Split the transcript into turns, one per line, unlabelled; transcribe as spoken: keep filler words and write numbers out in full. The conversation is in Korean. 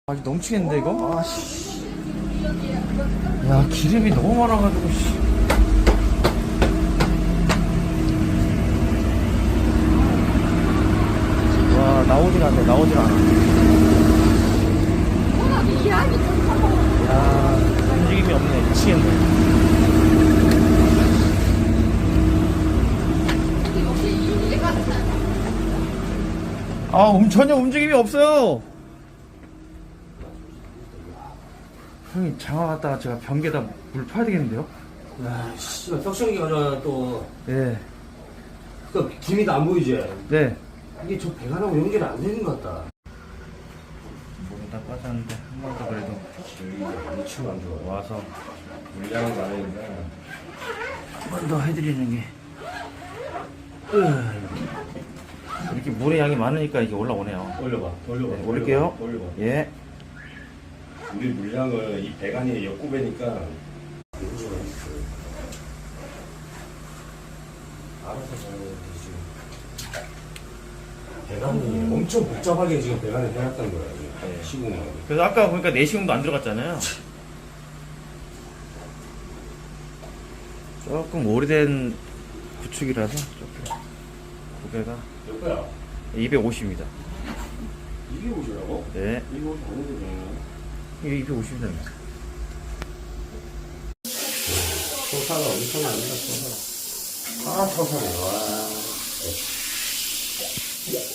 아직 넘치겠는데 이거? 아씨. 야 기름이 너무 많아가지고 씨. 와 나오질 않네 나오질 않아. 야 움직임이 없네 미치겠네. 아 음, 전혀 움직임이 없어요. 형님 장화 갔다가 제가 변기에다 물 파야 되겠는데요?
야, 씨발, 턱성기 가져와, 또.
네.
그, 김이 안 보이지?
네.
이게 저 배관하고 연결이 안 되는 것 같다.
물은 다 빠졌는데 한 번 더 그래도
여기 위치가 안 좋아.
와서
물량은 많으니까.
한 번 더 해드리는 게 으, 이렇게 물의 양이 많으니까 이게 올라오네요.
올려봐, 올려봐.
네, 올릴게요.
올려봐.
예.
우리 물량을 이 배관이 역구배니까. 알아서 잘 해야지. 배관이 엄청 복잡하게 지금 배관을 해놨던 거야,
네.
시공을.
그래서 아까 보니까 내시경도 안 들어갔잖아요. 조금 오래된 구축이라서 조금 무게가
몇 거야?
이백오십입니다.
이게 오시라고?
네.
이거 옷 아니거든.
이게 이백오십입니다.
소사가 엄청납니다, 소사. 아, 소사네, 와.